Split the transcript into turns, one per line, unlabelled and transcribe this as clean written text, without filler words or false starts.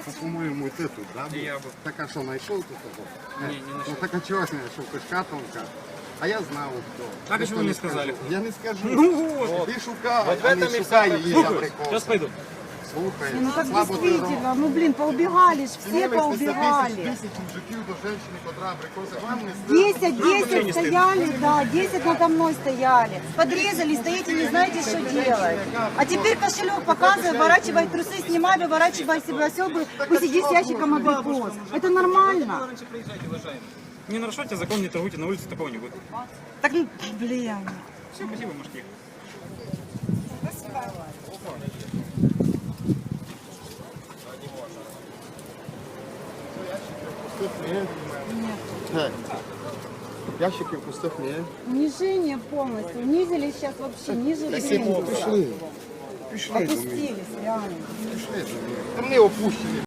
по-моему, вот эту, да?
И я бы.
Так а что, нашел тут его?
Не, не нашел.
Ну так а чего не нашел? Кишка тонка. А я знал, кто.
А почему
Что
не
скажу?
сказали?
Я не скажу.
Ну вот.
Ты шукай,
Вот в
а не
этом и
шукай
вся
її
Слухай,
абрикоси.
сейчас пойду.
Слухай,
Ну как
слабо ти
действительно, ну блин, поубегали ж, все поубегали.
10 мужиків до женщины, котра абрикоси. Вам не
10 стояли, да, 10 надо мной стояли. Подрезали, стоите, не знаете, что делать. А теперь кошелек показывай, выворачивай трусы, снимай, выворачивай себе оседу, пусть иди с ящиком абрикос. Это нормально.
Раньше приезжайте, уважаемые. Не нарушайте закон, не торгуйте на улице, такого не будет.
Так, блин.
Все, спасибо, можете ехать.
Так. Ящиків пустих ні.
Унижение полностью. Унизили сейчас вообще ниже
Пішли.
кризиса.
Пішли. Пішли.
Опустились, реально.
Пішли. Там не опущені.